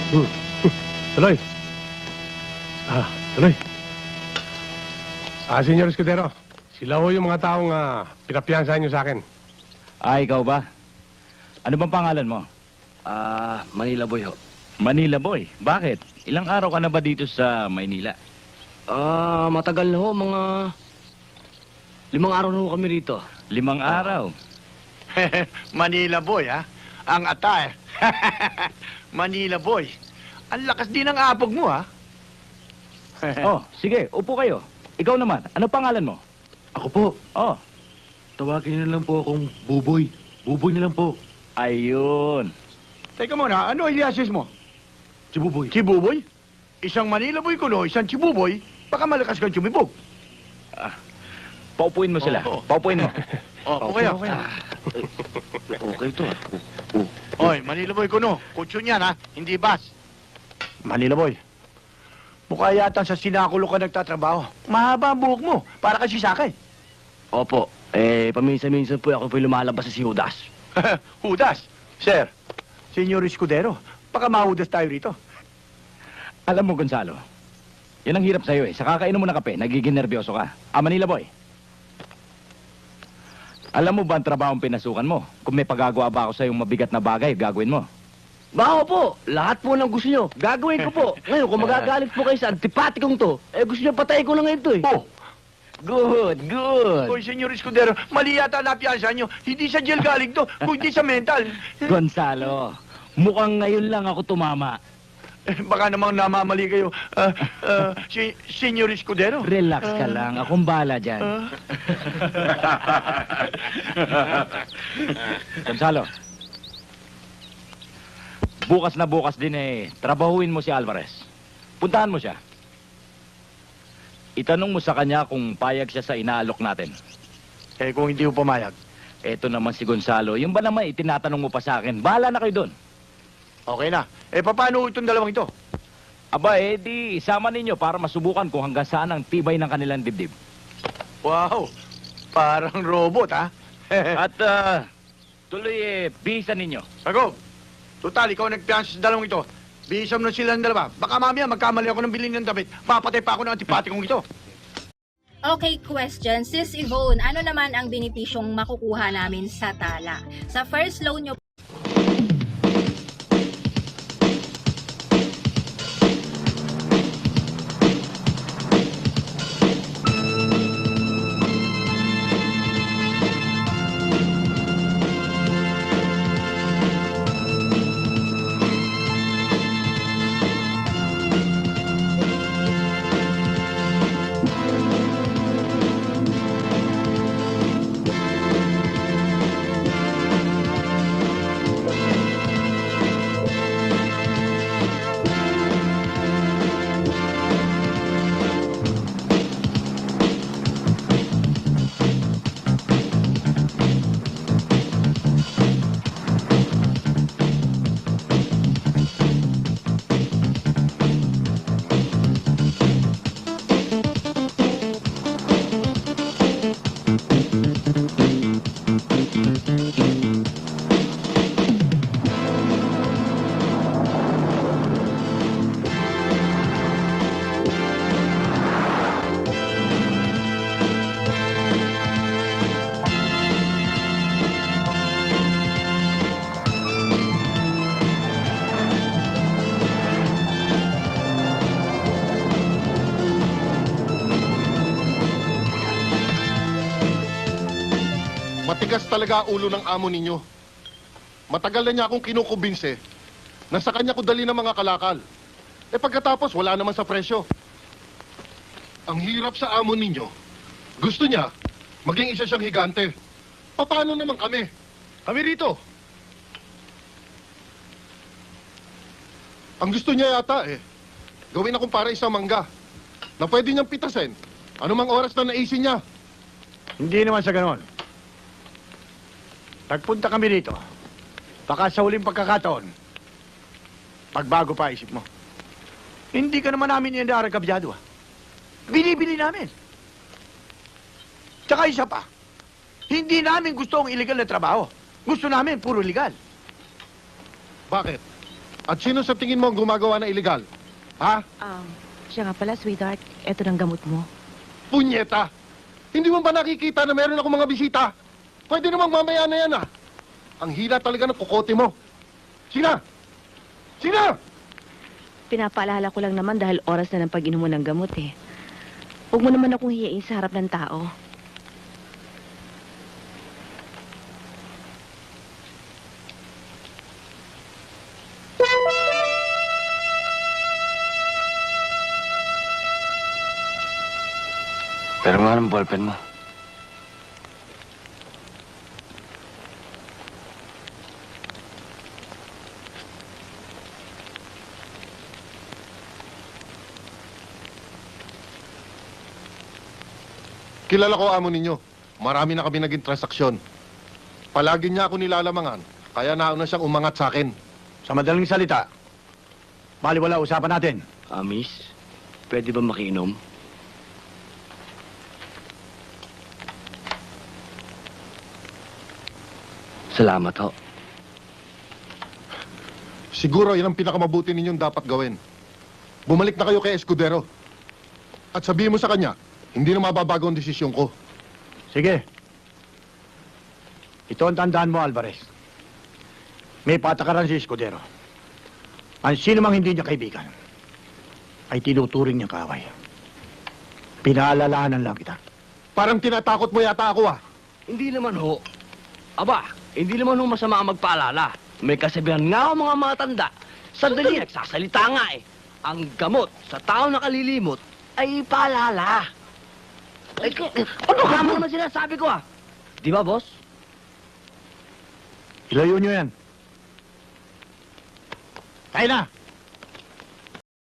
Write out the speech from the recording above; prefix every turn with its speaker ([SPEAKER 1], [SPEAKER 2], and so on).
[SPEAKER 1] Hmm. Tuloy. Tuloy. Senyor Escudero, sila ho yung mga taong pinapiyansahan niyo sa akin.
[SPEAKER 2] Ikaw ba? Ano bang pangalan mo?
[SPEAKER 3] Manila Boy ho.
[SPEAKER 2] Manila Boy. Bakit? Ilang araw ka na ba dito sa Maynila?
[SPEAKER 3] Matagal na ho, mga 5 araw na ho kami rito.
[SPEAKER 2] 5 araw.
[SPEAKER 4] Manila Boy, ha? Ang atay. Manila Boy. Ang lakas din ng apog mo, ha?
[SPEAKER 2] Oh, sige, upo kayo. Ikaw naman, ano pangalan mo?
[SPEAKER 5] Ako po,
[SPEAKER 2] Oh,
[SPEAKER 5] tawagin niyo na lang po akong Buboy. Buboy na lang po.
[SPEAKER 2] ayun.
[SPEAKER 4] Teka muna, ano iliasis mo?
[SPEAKER 5] Si Buboy.
[SPEAKER 4] Chibuboy? Isang Manila Boy kuno, isang Chibuboy, baka malakas kang chumibog.
[SPEAKER 2] Paupuin mo sila.
[SPEAKER 4] Oo.
[SPEAKER 2] Paupuin mo.
[SPEAKER 4] Okay, okay.
[SPEAKER 5] Okay to.
[SPEAKER 4] Oy, Manila Boy kuno, kutsun yan, ha? Hindi bas. Manila Boy, mukha yata sa sinakulo ka nagtatrabaho. Mahaba ang buhok mo, para kasi sakay.
[SPEAKER 3] Opo, paminsan-minsan po ako po lumalabas sa si Judas.
[SPEAKER 4] Hudas. Sir, Senyor Escudero, baka mahudas tayo rito.
[SPEAKER 2] Alam mo, Gonzalo, yan ang hirap sa'yo eh. Sa kakainom mo ng kape, nagiging nervyoso ka. Manila Boy. Alam mo ba ang trabaho ang pinasukan mo? Kung may pagagawa ba ako sa'yong mabigat na bagay, gagawin mo.
[SPEAKER 3] Bako po, lahat po ng gusto nyo, gagawin ko po. Ngayon, kung magagalit po kayo sa antipatikong to, gusto nyo patayin ko na ngayon to eh.
[SPEAKER 4] Oh,
[SPEAKER 2] Good, good.
[SPEAKER 4] Hoy, Senyor Escudero, mali yata napiyansa nyo. Hindi sa jail galing to, kundi sa mental.
[SPEAKER 2] Gonzalo, mukhang ngayon lang ako tumama.
[SPEAKER 4] Baka namang namamali kayo. Senyor Escudero.
[SPEAKER 2] Relax ka lang, akong bahala dyan. Gonzalo, bukas na bukas din trabahuin mo si Alvarez. Puntahan mo siya. Itanong mo sa kanya kung payag siya sa inaalok natin.
[SPEAKER 4] Kung hindi mo pumayag.
[SPEAKER 2] Eto naman si Gonzalo, yung ba naman itinatanong mo pa sa akin? Bahala na kayo doon.
[SPEAKER 4] Okay na. Paano itong dalawang ito?
[SPEAKER 2] Aba, di isama ninyo para masubukan kung hanggang saan ang tibay ng kanilang dibdib.
[SPEAKER 4] Wow, parang robot, ha?
[SPEAKER 2] At tuloy bisa ninyo.
[SPEAKER 4] Sago, total, ikaw nagpiyansa sa dalawang ito. Bisam na silang dalawa. Baka mamaya magkamali ako ng bilhin ng damit. Papatay pa ako ng antipatikong ito.
[SPEAKER 6] Okay, question. Sis Yvonne, ano naman ang benepisyong makukuha namin sa tala? Sa first loan nyo
[SPEAKER 7] Matigas talaga ang ulo ng amo ninyo. Matagal na niya akong kinukumbinse na sa kanya ko dali ng mga kalakal. Pagkatapos, wala naman sa presyo. Ang hirap sa amo ninyo. Gusto niya, maging isa siyang higante. Paano naman kami? Kami rito. Ang gusto niya yata gawin akong para isang mangga na pwede niyang pitasin anumang oras na naisin niya.
[SPEAKER 4] Hindi naman sa ganon. Nagpunta kami rito. Baka sa huling pagkakataon, pagbago pa isip mo. Hindi ka naman namin inarang kabyado, ha? Binibili namin. Tsaka isa pa, hindi namin gusto ang illegal na trabaho. Gusto namin puro legal.
[SPEAKER 7] Bakit? At sino sa tingin mo ang gumagawa ng illegal? Ha?
[SPEAKER 8] Siya nga pala, sweetheart. Eto ng gamot mo.
[SPEAKER 7] Punyeta! Hindi mo ba nakikita na meron ako mga bisita? Pwede namang mamaya na yan, ah. Ang hila talaga ng kukote mo. Sina! Sina!
[SPEAKER 8] Pinapaalala ko lang naman dahil oras na ng pag-inom mo ng gamot eh. Huwag mo naman akong hiyain sa harap ng tao.
[SPEAKER 3] Pero nga ng ballpen mo.
[SPEAKER 7] Kilala ko amo ninyo. Marami na kami naging transaksyon. Palagi niya ako nilalamangan, kaya nauna siyang umangat sa akin.
[SPEAKER 4] Sa madaling salita, baliwala usapan natin.
[SPEAKER 3] Miss, pwede ba makiinom? Salamat ho.
[SPEAKER 7] Siguro yan ang pinakamabuti ninyong dapat gawin. Bumalik na kayo kay Escudero. At sabihin mo sa kanya, hindi na mababago ang desisyon ko.
[SPEAKER 4] Sige. Ito ang tandaan mo, Alvarez. May patakaran si Escudero. Ang sino mang hindi niya kaibigan ay tinuturing niyang kaaway. Pinaalalahanan lang kita.
[SPEAKER 7] Parang tinatakot mo yata ako, ah.
[SPEAKER 3] Hindi naman ho. Aba, hindi naman ho masama ang magpaalala. May kasabihan nga ho mga matanda. Sandali, nagsasalita nga eh. Ang gamot sa tao na kalilimot ay paalala. Ay, ano ka mo naman sinasabi ko ah? Di ba, boss?
[SPEAKER 4] Ilayo niyo yan. Kaya na!